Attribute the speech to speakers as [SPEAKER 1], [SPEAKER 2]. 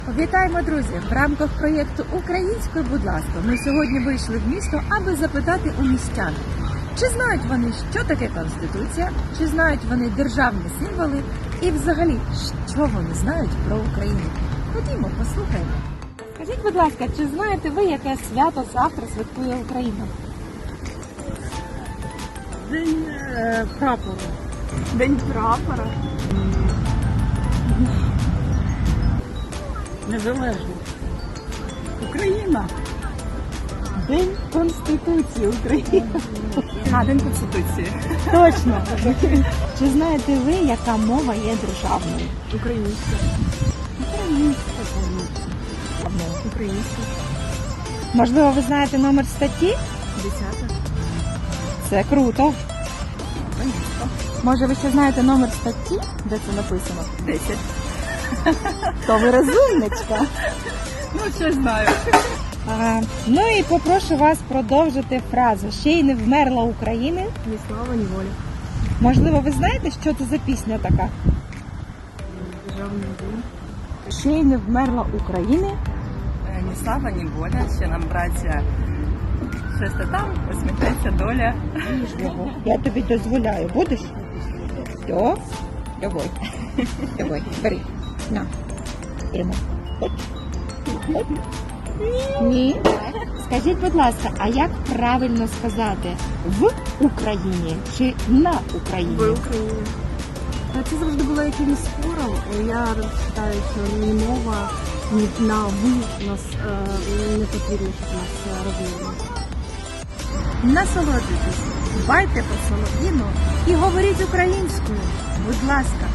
[SPEAKER 1] Вітаємо, друзі! В рамках проєкту «Українською, будь ласка» ми сьогодні вийшли в місто, аби запитати у містян, чи знають вони, що таке Конституція, чи знають вони державні символи і взагалі, що вони знають про Україну. Ходімо, послухаємо. Скажіть, будь ласка, чи знаєте ви, яке свято завтра святкує Україна?
[SPEAKER 2] День прапора.
[SPEAKER 1] День прапора.
[SPEAKER 2] Незалежно. Україна.
[SPEAKER 1] День Конституції України.
[SPEAKER 2] День Конституції.
[SPEAKER 1] Точно. Чи знаєте ви, яка мова є державною?
[SPEAKER 2] Українська. Українська.
[SPEAKER 1] Можливо, ви знаєте номер статті?
[SPEAKER 2] 10.
[SPEAKER 1] Це круто. Може, ви ще знаєте номер статті, де це написано?
[SPEAKER 2] 10.
[SPEAKER 1] То ви розумничка.
[SPEAKER 2] Ну, ще знаю.
[SPEAKER 1] Ну і попрошу вас продовжити фразу «Ще й не вмерла Україна».
[SPEAKER 2] Ні слава, ні воля.
[SPEAKER 1] Можливо, ви знаєте, що це за пісня така?
[SPEAKER 2] Державний день.
[SPEAKER 1] «Ще й не вмерла Україна».
[SPEAKER 2] Ні слава, ні воля. Ще нам, браття, щось там, посміхнеться доля.
[SPEAKER 1] Я тобі дозволяю. Будеш? Все. Давай. Давай, бери. На. Тримай. Хоч. Хоч. Ні. Скажіть, будь ласка, а як правильно сказати? В Україні чи на Україні?
[SPEAKER 2] В Україні. Це завжди було якимось спором. Я вважаю, що ні мова, ні на «ви» нас не потрібно, щоб нас розмовляли.
[SPEAKER 1] Насолоджуйтесь, дбайте про солов'їну і говоріть українською. Будь ласка.